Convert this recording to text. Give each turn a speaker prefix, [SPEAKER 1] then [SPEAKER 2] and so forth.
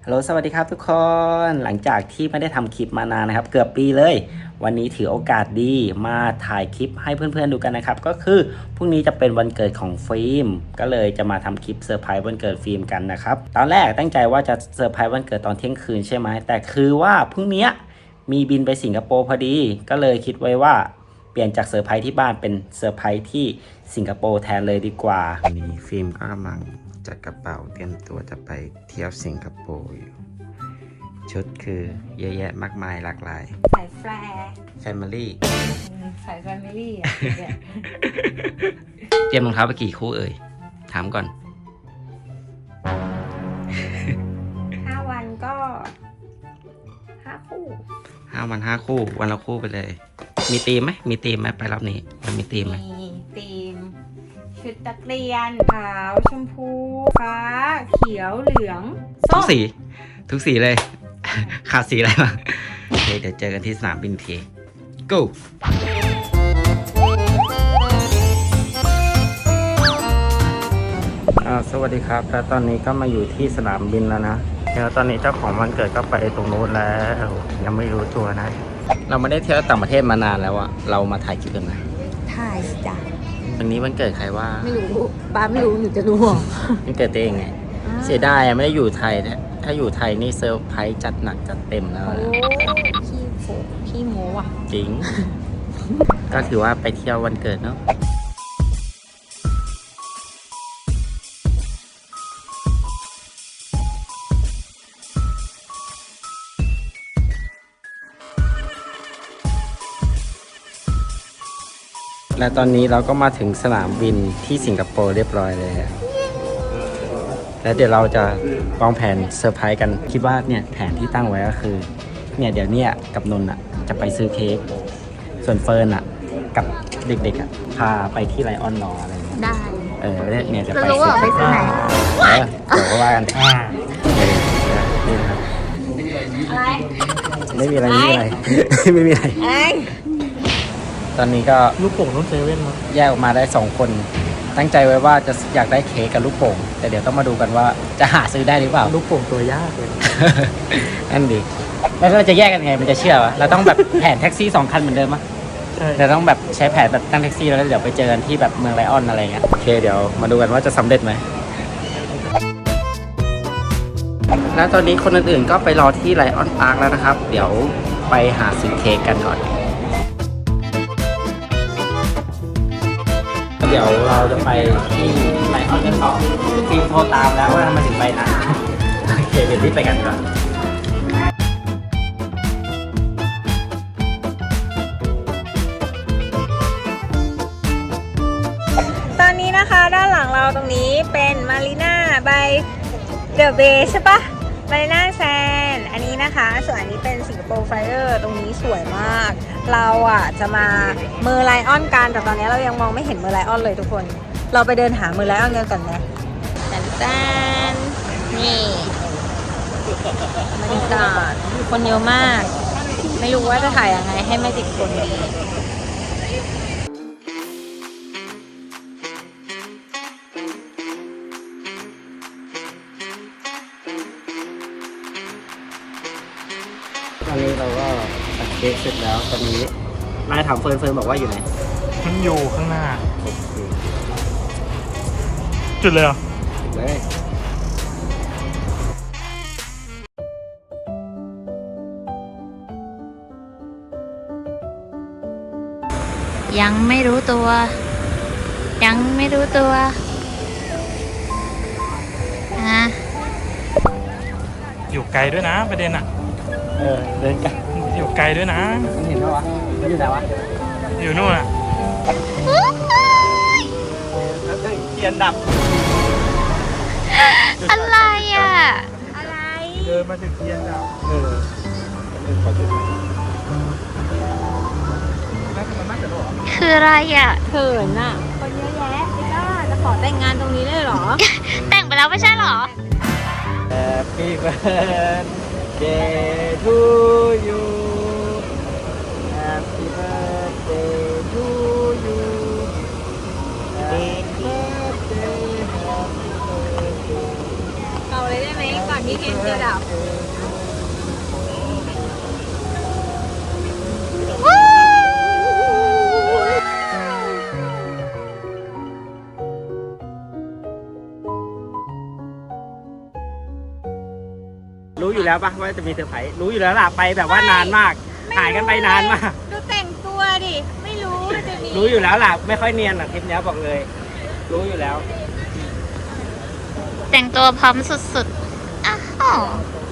[SPEAKER 1] ฮัลโหลสวัสดีครับทุกคนหลังจากที่ไม่ได้ทำคลิปมานานนะครับเกือบปีเลยวันนี้ถือโอกาสดีมาถ่ายคลิปให้เพื่อนๆดูกันนะครับก็คือพรุ่งนี้จะเป็นวันเกิดของฟิล์มก็เลยจะมาทำคลิปเซอร์ไพรส์วันเกิดฟิล์มกันนะครับตอนแรกตั้งใจว่าจะเซอร์ไพรส์วันเกิดตอนเที่ยงคืนใช่ไหมแต่คือว่าพรุ่งนี้มีบินไปสิงคโปร์พอดีก็เลยคิดไว้ว่าเปลี่ยนจากเซอร์ไพรส์ที่บ้านเป็นเซอร์ไพรส์ที่สิงคโปร์แทนเลยดีกว่าวันนี้ฟิล์มก็กำลังจัดกระเป๋าเตรียมตัวจะไปเที่ยวสิงคโปร์อยู่ชุดคือเยอะแยะมากมายหลากหลาย
[SPEAKER 2] สายแฟร์
[SPEAKER 1] Family
[SPEAKER 2] สายแฟมิลี่อ่ะ
[SPEAKER 1] เตรียมรองเท้าไปกี่คู่เอ่ยถามก่อน
[SPEAKER 2] 5 วันก็5 คู่
[SPEAKER 1] 5 วัน 5 คู่วันละคู่ไปเลยมีธีมไหมไปรอบนี้มันมีธีมไหม
[SPEAKER 2] มีธีมชุดนักเรียนขาวชมพูฟ้าเขียวเหลือง
[SPEAKER 1] ทุ
[SPEAKER 2] ส้
[SPEAKER 1] ก
[SPEAKER 2] ม
[SPEAKER 1] สีเลย ขาดสีอะไรบ้างโอเคเดี๋ยวเจอกันที่สนามบินที go สวัสดีครับแล้วตอนนี้ก็มาอยู่ที่สนามบินแล้วนะแล้วตอนนี้เจ้าของวันเกิดก็ไปตรงนู้นแล้วยังไม่รู้ตัวนะเราไม่ได้เที่ยวต่างประเทศมานานแล้วอะเรามาถ่ายคลิปกันนะ
[SPEAKER 2] ถ่ายจ้ะ
[SPEAKER 1] วันนี้วันเกิดใครว่า
[SPEAKER 2] ไม่รู้ป้าไม่รู้หนูจะรู้หรอ
[SPEAKER 1] วันเกิดตัวเองไงเสียดายอะไม่ได้อยู่ไทยนะถ้าอยู่ไทยนี่เซอร์ไพรส์จัดหนักจัดเต็มแล้วนะ
[SPEAKER 2] พี่โมอ่ะ
[SPEAKER 1] จริง ก็ถือว่าไปเที่ยววันเกิดเนาะและตอนนี้เราก็มาถึงสนามบินที่สิงคโปร์เรียบร้อยเลยอะแล้วเดี๋ยวเราจะวางแผนเซอร์ไพรส์กันคิดว่าเนี่ยแผนที่ตั้งไว้ก็คือเนี่ยเดี๋ยวเนี่ยกับนนท์อ่ะจะไปซื้อเค้กส่วนเฟิร์นอ่ะกับเด็กๆอ่ะพาไปที่ไลออนรออะไรเงี้ย
[SPEAKER 2] ได้
[SPEAKER 1] เนี่ยจะ
[SPEAKER 2] จะ
[SPEAKER 1] ไป
[SPEAKER 2] รู้ว่าไปซื้อไหน
[SPEAKER 1] เดี๋ยวก็ว่ากันนี่นะครับ
[SPEAKER 2] อะไร
[SPEAKER 1] ไม่มีอะไรไม่มีอะไร ไม่มีอะไร
[SPEAKER 2] ไอ้
[SPEAKER 1] ตอนนี้ก็
[SPEAKER 3] ลูกโป่งต้องเซเว่นมั้ง
[SPEAKER 1] แยกออกมาได้2 คนตั้งใจไว้ว่าจะอยากได้เค้กกับลูกโป่งแต่เดี๋ยวต้องมาดูกันว่าจะหาซื้อได้หรือเปล่า
[SPEAKER 3] ลูกโป่งตัวยากเลย
[SPEAKER 1] นั่นดิแล้วเราจะแยกกันไงมันจะเชื่อวะเราต้องแบบแผนแท็กซี่2 คันเหมือนเดิมมั้ย
[SPEAKER 3] ใช่
[SPEAKER 1] แต่ต้องแบบใช้แผนแบบตั้งแท็กซี่แล้วก็เดี๋ยวไปเจอกันที่แบบเมืองไลออนอะไรเงี้ยโอเคเดี๋ยวมาดูกันว่าจะสำเร็จไหมแล้วตอนนี้คนอื่นๆก็ไปรอที่ไลออนพาร์คแล้วนะครับเดี๋ยวไปหาซื้อเค้กกันก่อนเดี๋ยวเราจะไปที่ไลออนกันต่อฟิล์มโทรตามแล้วว่าทำไมถึงไปนะโอเคเดี๋ยวรีบไปกันก่อน
[SPEAKER 2] ตอนนี้นะคะด้านหลังเราตรงนี้เป็นมารีนาบายเดอะเบย์ใช่ปะมารีนาแซนอันนี้นะคะส่วนอันนี้เป็นสิงคโปร์ไฟเออร์ตรงนี้สวยมากเราอ่ะจะมาเมอร์ไลออนกันแต่ตอนนี้เรายังมองไม่เห็นเมอร์ไลออนเลยทุกคนเราไปเดินหาเมอร์ไลออนกันก่อนนะแตนนี่บรรยากาศคนเยอะมากไม่รู้ว่าจะถ่ายยังไงให้ไม่ติดคนดี
[SPEAKER 1] ตอนนี้เราก็ตัดเค้กเสร็จแล้วตอนนี้นายถามเฟิร์นบอกว่าอยู่ไหน
[SPEAKER 3] มันอยู่ข้างหน้า จุดเลยเหรอ
[SPEAKER 1] เลย
[SPEAKER 4] ยังไม่รู้ตัว ยังไม่รู้ตัวฮะ
[SPEAKER 3] อยู่ไกลด้วยนะประเด็นอ่ะ
[SPEAKER 1] เดินกัน
[SPEAKER 3] อยู่ไกลด้วยนะ
[SPEAKER 1] มันเห็นไหมวะมันอยู่ไหนวะ
[SPEAKER 3] อยู่นู่นอ่ะ
[SPEAKER 1] เทียนดับ
[SPEAKER 4] อะไรอ่ะ
[SPEAKER 2] อะไร
[SPEAKER 3] เดินมาถึงเทียนดับ
[SPEAKER 1] ขอจุดหน่อย
[SPEAKER 4] คืออะไรอ่ะ
[SPEAKER 2] เขินอ่ะ คนเยอะแยะไอ้ก้าจะขอแต่งงานตรงนี้เลยเหรอ
[SPEAKER 4] แต่งไปแล้วไม่ใช่เหรอ
[SPEAKER 1] Happy birthday to you Happy birthday to you Happy birthday Happy birthday
[SPEAKER 2] เป่าเลยได้ไหมก่อนที่เทียนจะดับ
[SPEAKER 1] รู้อยู่แล้วปะว่าจะมีเซอร์ไพรส์รู้อยู่แล้วล่ะไปแบบว่านานมากหายกันไปนานมาก
[SPEAKER 2] ดูแต่งตัวดิ ไม่รู้ว่าจะมี
[SPEAKER 1] รู้อยู่แล้วล่ะไม่ค่อยเนียนหรอกทริปนี้บอกเลย รู้อยู่แล้ว
[SPEAKER 4] แต่งตัวพร้อมสุดๆอ้าว